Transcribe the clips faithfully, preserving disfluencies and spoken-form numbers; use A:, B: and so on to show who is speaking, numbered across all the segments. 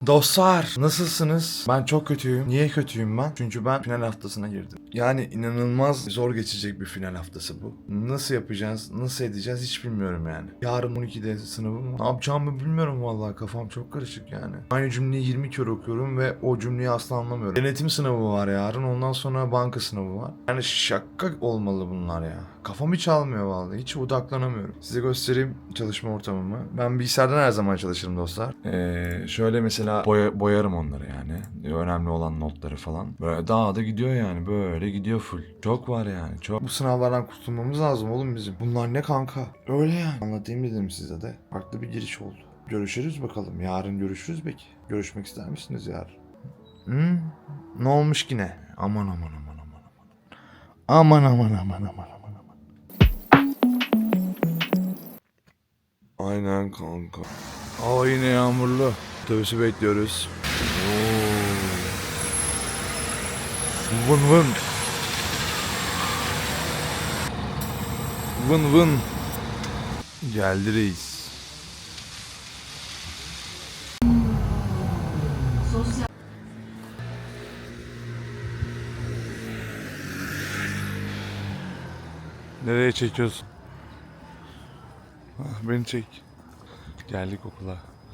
A: Dostlar nasılsınız? Ben çok kötüyüm. Niye kötüyüm ben? Çünkü ben final haftasına girdim. Yani inanılmaz zor geçecek bir final haftası bu. Nasıl yapacağız, nasıl edeceğiz hiç bilmiyorum yani. Yarın on ikide sınavım. Ne yapacağımı bilmiyorum vallahi, kafam çok karışık yani. Aynı cümleyi yirmi kere okuyorum ve o cümleyi asla anlamıyorum. Denetim sınavı var yarın, ondan sonra banka sınavı var. Yani şaka olmalı bunlar ya. Kafam hiç almıyor vallahi, hiç odaklanamıyorum. Size göstereyim çalışma ortamımı. Ben bilgisayardan her zaman çalışırım dostlar. Ee, şöyle mesela boya, boyarım onları yani. Önemli olan notları falan. Böyle daha da gidiyor yani, böyle gidiyor full. Çok var yani, çok. Bu sınavlardan kurtulmamız lazım oğlum bizim. Bunlar ne kanka? Öyle yani. Anlatayım dedim size de. Farklı bir giriş oldu. Görüşürüz bakalım. Yarın görüşürüz belki. Görüşmek ister misiniz yarın? Hmm? Ne olmuş yine? Aman aman aman aman aman. Aman aman aman aman aman. Aynen kanka. Aa yine yağmurlu. Otobüsü bekliyoruz. Oo. Vın vın. Vın vın. Geldi reis. Nereye çekiyorsun? Ah, beni çek. Geldik okula.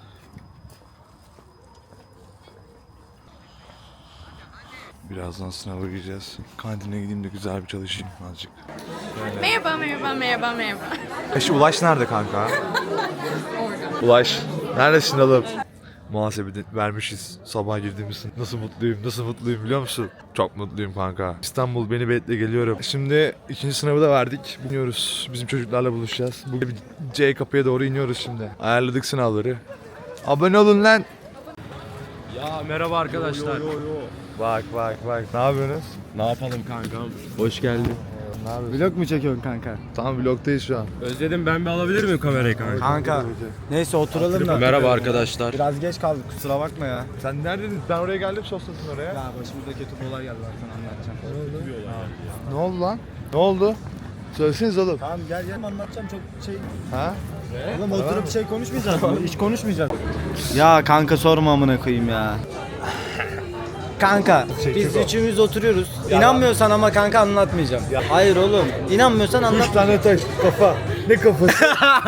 A: Birazdan sınava gireceğiz. Kantine gideyim de güzel bir çalışayım azıcık. Böyle.
B: Merhaba, merhaba, merhaba, merhaba.
A: Eşi Ulaş nerede kanka?
B: Orada.
A: Ulaş. Neredesin oğlum? Muhasebede vermişiz sabah girdiğimiz. Nasıl mutluyum, nasıl mutluyum biliyor musun? Çok mutluyum kanka. İstanbul beni bekle, geliyorum. Şimdi ikinci sınavı da verdik. İniyoruz. Bizim çocuklarla buluşacağız. Bugün C kapıya doğru iniyoruz şimdi. Ayarladık sınavları. Abone olun lan.
C: Ya merhaba arkadaşlar. Yo, yo, yo.
A: Bak bak bak. Ne yapıyorsunuz?
C: Ne yapalım kankam? Hoş geldin.
A: Ne yapıyorsun?
D: Vlog mu çekiyorsun kanka?
A: Tam vlogdayız şu an.
C: Özledim, ben bir alabilir miyim kamerayı kanka?
D: Kanka. Neyse oturalım da.
C: Merhaba arkadaşlar.
D: Biraz geç kaldık, kusura bakma ya.
A: Sen neredeydin? Ben oraya geldim, soslasın oraya.
D: Ya başımıza kötü olay geldi, ben sana anlatacağım.
A: Ne oldu lan? Ne oldu? Söyleseniz oğlum.
D: Tamam gel gel anlatacağım, çok şey.
A: Ha?
D: Oğlum oturup şey konuşmayacağız mı? Hiç konuşmayacağız. Ya kanka sorma amına koyayım ya. Kanka biz üçümüz oturuyoruz. İnanmıyorsan ama kanka anlatmayacağım. Hayır oğlum. İnanmıyorsan anlat.
A: Üç tane taş kafa. Ne kafası?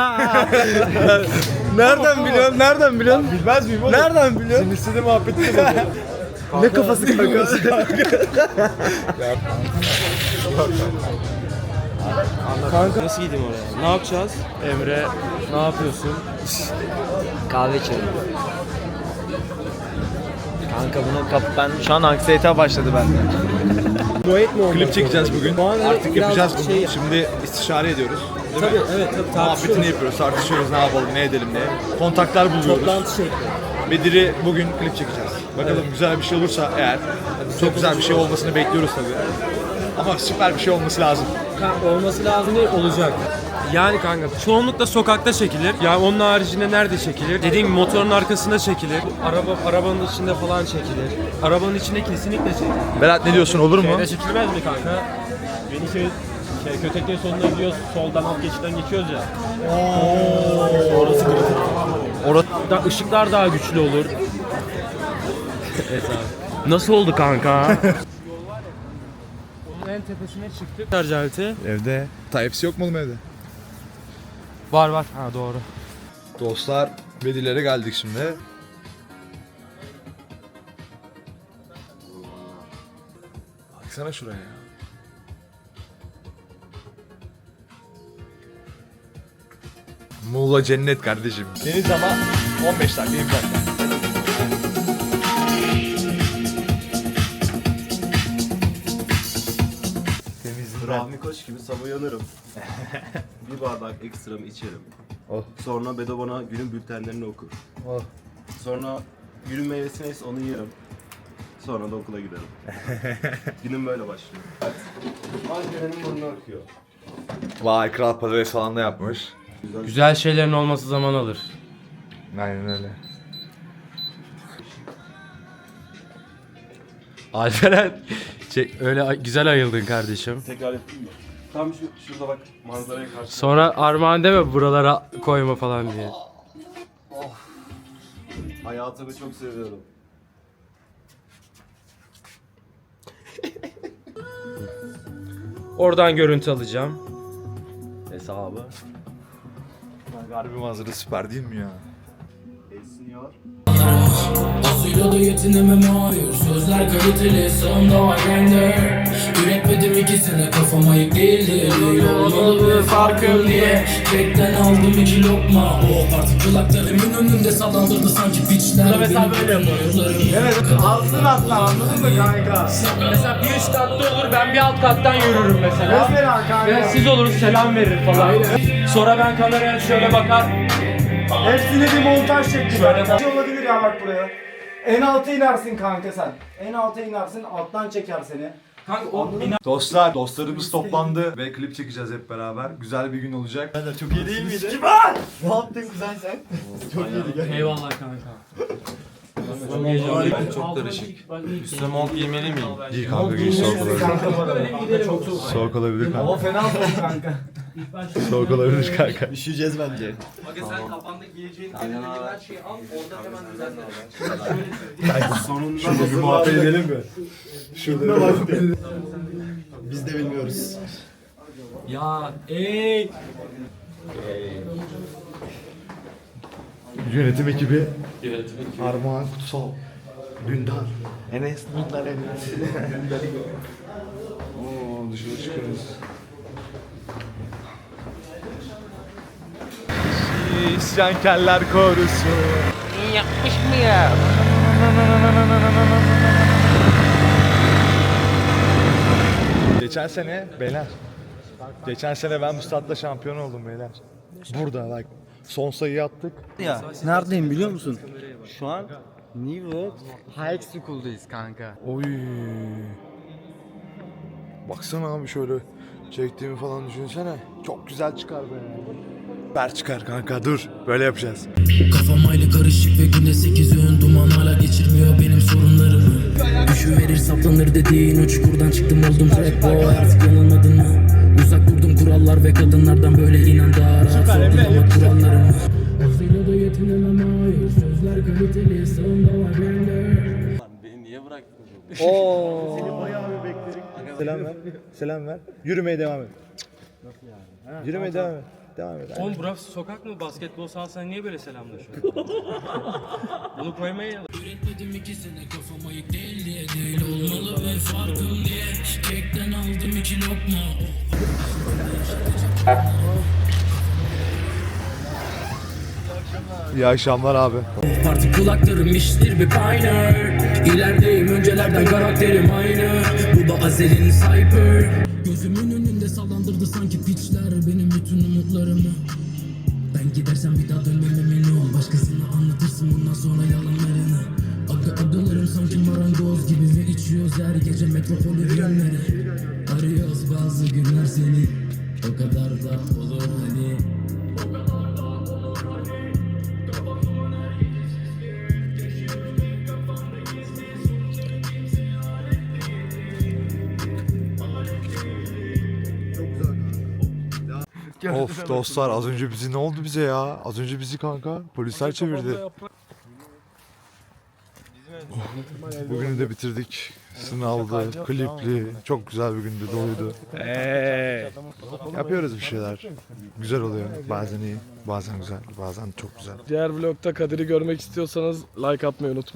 D: Nereden biliyorsun? Nereden biliyorsun?
A: Bilmez miyim oğlum?
D: Nereden biliyorsun?
A: Senin istediğin muhabbeti de
D: Ne kafası kanka?
C: Kanka nasıl gideyim oraya? Ne yapacağız? Emre ne yapıyorsun?
D: Kahve içelim. Kanka bunu kap ben şu an anksiyete başladı bende.
C: Duet mi oldu?
A: Klip çekeceğiz bugün. Artık yapacağız bunu.
C: şey-
A: Şimdi istişare ediyoruz. Değil
C: Tabii
A: mi?
C: evet tabii
A: Muhabbetini yapıyoruz, tartışıyoruz, ne yapalım, ne edelim diye. Kontaklar buluyoruz.
C: Toplantı şekli.
A: Bedir'i bugün klip çekeceğiz. Bakalım güzel bir şey olursa eğer. Çok güzel bir şey olmasını bekliyoruz tabii. Ama süper bir şey olması lazım.
C: Kanka olması lazım değil, olacak. Yani kanka çoğunlukla sokakta çekilir. Yani onun haricinde nerede çekilir? Dediğim gibi motorun arkasında çekilir. Araba arabanın içinde falan çekilir. Arabanın içinde kesinlikle çekilir.
A: Berat ne diyorsun, olur mu?
C: Şeyde çekilmez mi kanka? Beni şey, şey Köteklerin sonuna gidiyoruz. Soldan alt geçitten geçiyoruz ya. Orası kritik.
A: Orada
C: Da ışıklar daha güçlü olur. Evet abi. Nasıl oldu kanka? Onun en tepesine çıktık. Şarj aleti.
A: evde. Type-C yok mu oğlum evde?
C: Var var. Ha doğru.
A: Dostlar, Bedir'lere geldik şimdi. Baksana şuraya ya. Muğla cennet kardeşim. Deniz ama on beş dakika, yirmi dakika. Temiz
E: Rahmi Koç gibi sabah uyanırım. Bir bardak ekstramı içerim.
A: Oh.
E: Sonra Bedo bana günün bültenlerini okur.
A: Oh.
E: Sonra günün meyvesi neyse onu yerim. Sonra da okula giderim. Günüm böyle başlıyor. Ankara'nın burnu akıyor.
A: Vay, kral patates falan da yapmış.
C: Güzel şeylerin olması zaman alır.
A: Aynen öyle.
C: Alperen çek, öyle güzel ayıldın kardeşim.
E: Tekrar yapayım mı? Tam şu, şurada bak manzaraya karşı.
C: Sonra armağan deme buralara koyma falan diye.
E: Hayatını çok seviyorum.
C: Oradan görüntü alacağım. Hesabı.
A: Harbi manzara süper değil mi ya?
E: Esniyor.
F: Azıyla da yetinemem hayır. Sözler kaliteli sağımda var bende. Üretmedim ikisine kafama yık değildi. Değil olmalı ve farkım diye. Kekten aldım iki lokma. O artık kulaklarımın önünde sallandırdı sanki piçler. Mesela böyle yapıyorum.
D: Evet, alsın atlar, anladın mı kanka?
C: Mesela bir üst katta olur, ben bir alt kattan yürürüm mesela.
D: Mesela kanka.
C: Ve siz oluruz, selam verir falan. Sonra ben kameraya şöyle bakar.
D: Hepsini bir montaj şekli.
C: Şöyle
D: Şöyle olabilir ya bak buraya. En alta inersin kanka sen. En alta inersin, alttan çeker seni.
C: Kanka o
A: Dostlar, dostlarımız toplandı ve klip çekeceğiz hep beraber. Güzel bir gün olacak. Ben de çok iyi değil miydi?
D: Ne yaptın kuzen sen? Çok iyiydi gel.
C: eyvallah kanka.
A: Çok karışık. Üstüne mont giymeli miyim? Giy kanka, giy, soğuk olabilir.
D: Kanka bu arada. Çok soğuk.
A: Soğuk olabilir
D: Hava
A: kanka.
D: fena soğuk kanka.
A: Soğuk olabilir kanka.
G: Üşüyeceğiz bence.
E: Sonunda
A: Şurada bir muhabbet edelim mi?
G: Şurada bak. Biz de bilmiyoruz.
C: Ya ey.
A: Yönetim ekibi. Armağan Kutsal. Dündar. Enes Dündar Enes. Oo, dışarı çıkıyoruz. İsyankarlar korusu.
B: Yapmış mı ya?
A: Geçen sene beyler. Geçen sene ben bu statta şampiyon oldum beyler. Burada bak. Son sayıyı attık.
D: Ya neredeyim biliyor musun? Şu an New World High School'dayız kanka.
A: Oy. Baksana abi şöyle çektiğimi falan düşünsene. Çok güzel çıkar be. Ber çıkar kanka, dur. Böyle yapacağız.
F: Kafam aylı karışık ve günde sekiz öğün duman hala geçirmiyor benim sorunlarımı. Düşüverir saplanır dediğin o çukurdan çıktım oldum trap boy artık yanılmadın mı? Uzak durdum kurallar ve kadınlardan böyle inan daha rahat sorgulamak kurallarımı. Azıyla da yetinemem hayır. Sözler kaliteli sağımda var bende.
D: Oo.
A: Selam ver. Selam ver. Yürümeye devam et. Yürümeye devam et. Devam et.
C: Oğlum burası sokak mı? Basketbol sahasına niye böyle selamlaşıyor? Bunu koymayın.
F: Üretmedim ikisine kafama yık değil diye. Değil olmalı ve farkım diye. Kekten aldım iki lokma.
A: İyi akşamlar abi.
F: Parti kulaklarım iştir bir pioneer. İlerideyim öncelerden karakterim aynı. Bu da Azel'in Cypher. Gözümün önünde sallandırdı sanki piçler benim bütün umutlarımı. Ben gidersem bir daha dönmem emin ol. Başkasına anlatırsın bundan sonra yalanlarını. Aga agalarım sanki marangoz gibi ve içiyoruz her gece metropolü günleri. Arıyoruz bazı günler seni. O kadar da olur hani.
A: Of dostlar, az önce bizi ne oldu bize ya? Az önce bizi kanka polisler çevirdi. Bugünü de bitirdik. Sınavdı, klipli, çok güzel bir gündü, doluydu. Eee. Yapıyoruz bir şeyler. Güzel oluyor. Bazen iyi, bazen güzel, bazen çok güzel.
H: Diğer vlogta Kadir'i görmek istiyorsanız like atmayı unutmayın.